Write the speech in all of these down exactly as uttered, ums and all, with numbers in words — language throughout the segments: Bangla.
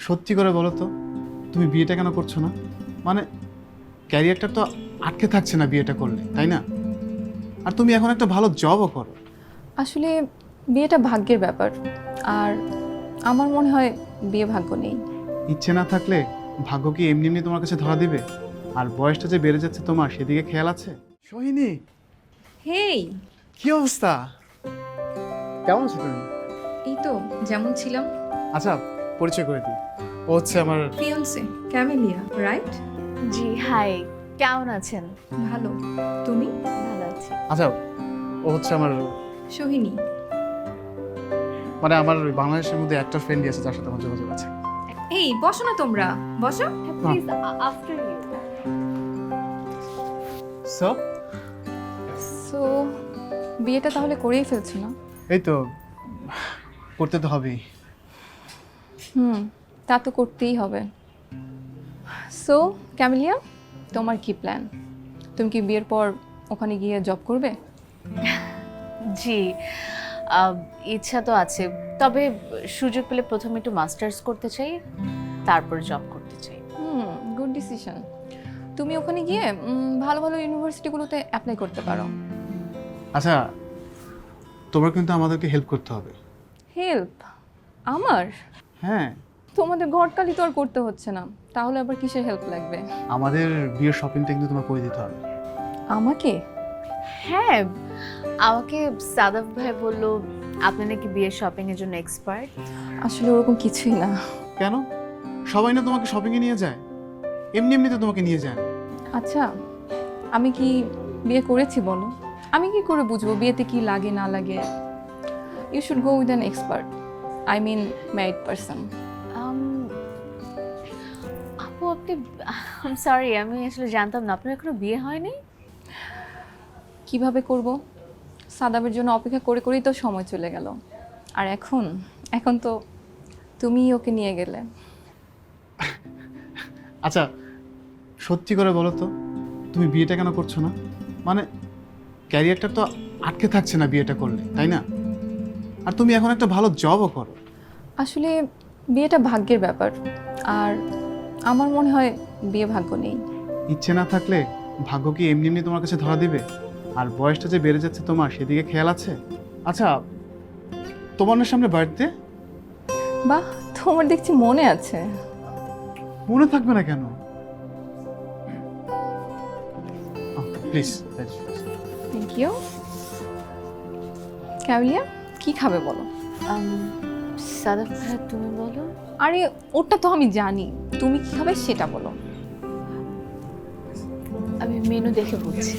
সত্যি করে বলো তো, তুমি বিয়েটা কেন করছো না? মানে ক্যারিয়ারটা তো আটকে থাকছে না বিয়েটা করলে, তাই না? আর তুমি এখন একটা ভালো জবও করো। আসলে বিয়েটা ভাগ্যের ব্যাপার, আর আমার মনে হয় বিয়ে ভাগ্য নেই। ইচ্ছে না থাকলে ভাগ্য কি এমনি এমনি তোমার কাছে ধরা দিবে? আর বয়সটা যে বেড়ে যাচ্ছে তোমার, সেদিকে খেয়াল আছে? সোহিনী, হেই, কি অবস্থা? কেমন আছো তুমি? এই তো যেমন ছিলাম। আচ্ছা, পরিচয় করে দিই। ও হচ্ছে আমার ফিয়ন্সে ক্যামেলিয়া, রাইট? জি হাই, কেমন আছেন? ভালো। তুমি? ভালো আছি। আচ্ছা, ও হচ্ছে আমার সোহিনী। মানে আমার ওই বাংলাদেশের মধ্যে একটা ফ্রেন্ডই আছে যার সাথে আমার যোগাযোগ আছে। এই বসো না তোমরা, বসো। Please after you. So so বিয়েটা তাহলে করেই ফেলছো না? এই তো, করতে তো হবেই। হুম, তা তো করতেই হবে। সো ক্যামেলিয়া, তোমার কি প্ল্যান? তুমি কি বিয়ের পর ওখানে গিয়ে জব করবে? জি, আহ, ইচ্ছা তো আছে, তবে সুযোগ পেলে প্রথমে একটু মাস্টার্স করতে চাই, তারপর জব করতে চাই। Hmm, good decision. তুমি ওখানে গিয়ে উম, ভালো ভালো ইউনিভার্সিটিগুলোতে অ্যাপ্লাই করতে পারো। আচ্ছা, তোমার কিন্তু আমাদেরকে হেল্প করতে হবে। হেল্প? আমার? হ্যাঁ, তোমাদের ঘটকালি তো আর করতে হচ্ছে না, তাহলে আবার কিসের হেল্প লাগবে? আমাদের বিয়ের শপিংটা কিন্তু তোমার করে দিতে হবে। আমাকে? হ্যাঁ, আমাকে সাদাফ ভাই বললো আপনি নাকি বিয়ের শপিং এর জন্য এক্সপার্ট। আসলে ওরকম কিছুই না। কেন? সবাই না তোমাকে শপিংয়ে নিয়ে যায়? এমনি এমনিতে তোমাকে নিয়ে যায় না। আচ্ছা, আমি কি বিয়ে করেছি বলো? আমি কি করে বুঝবো বিয়েতে কি লাগে না লাগে? You should go with an expert, I mean married person. আপু আপনি, সরি আমি আসলে জানতাম না আপনার এখনো বিয়ে হয়নি। কিভাবে করব? সাদাবের জন্য অপেক্ষা করে করেই তো সময় চলে গেল। আর এখন এখন তো তুমিই ওকে নিয়ে গেলে। আচ্ছা, সত্যি করে বলো তো, তুমি বিয়েটা কেন করছো না? মানে ক্যারিয়ারটা তো আটকে থাকছে না বিয়েটা করলে, তাই না? আর তুমি এখন একটা ভালো জবও করো। আসলে বিয়েটা ভাগ্যের ব্যাপার, আর আমার মনে হয় বিয়ে ভাগ্য নেই। ইচ্ছে না থাকলে ভাগ্য কি এমনি এমনি তোমার কাছে ধরা দিবে? আর বয়সটা যে বেড়ে যাচ্ছে তোমার, সেদিকে খেয়াল আছে? আচ্ছা, তোমার না সামনে বার্থডে? বাহ, তোমার দেখছি মনে আছে। মনে থাকবে না কেন? প্লিজ। Thank you. ক্যামেলিয়া, কি খাবে বলো? সাদাফ ভাই তুমি বলো। আরে ওটা তো আমি জানি, তুমি কি খাবে সেটা বলো। আমি মেনু দেখে বলছি।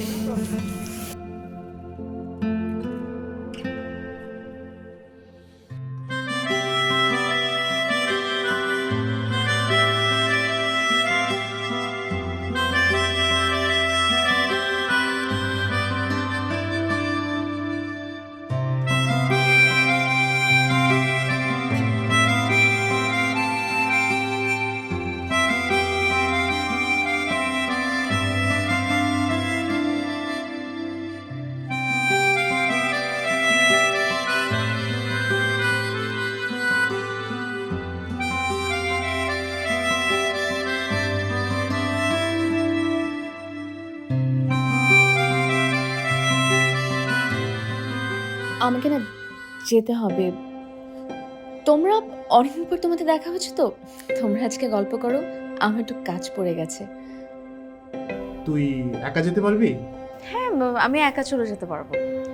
আমাকে না যেতে হবে। তোমরা অনেকদিন পর তোমাদের দেখা হচ্ছে তো, তোমরা আজকে গল্প করো, আমার একটু কাজ পড়ে গেছে। তুই একা যেতে পারবি? হ্যাঁ ব- আমি একা চলে যেতে পারবো।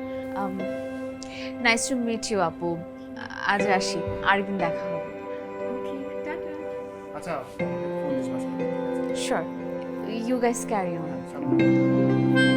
নাইস টু মিট ইউ আপু, আজ আসি, আরেকদিন দেখা হবে। আচ্ছা, sure, you guys carry on.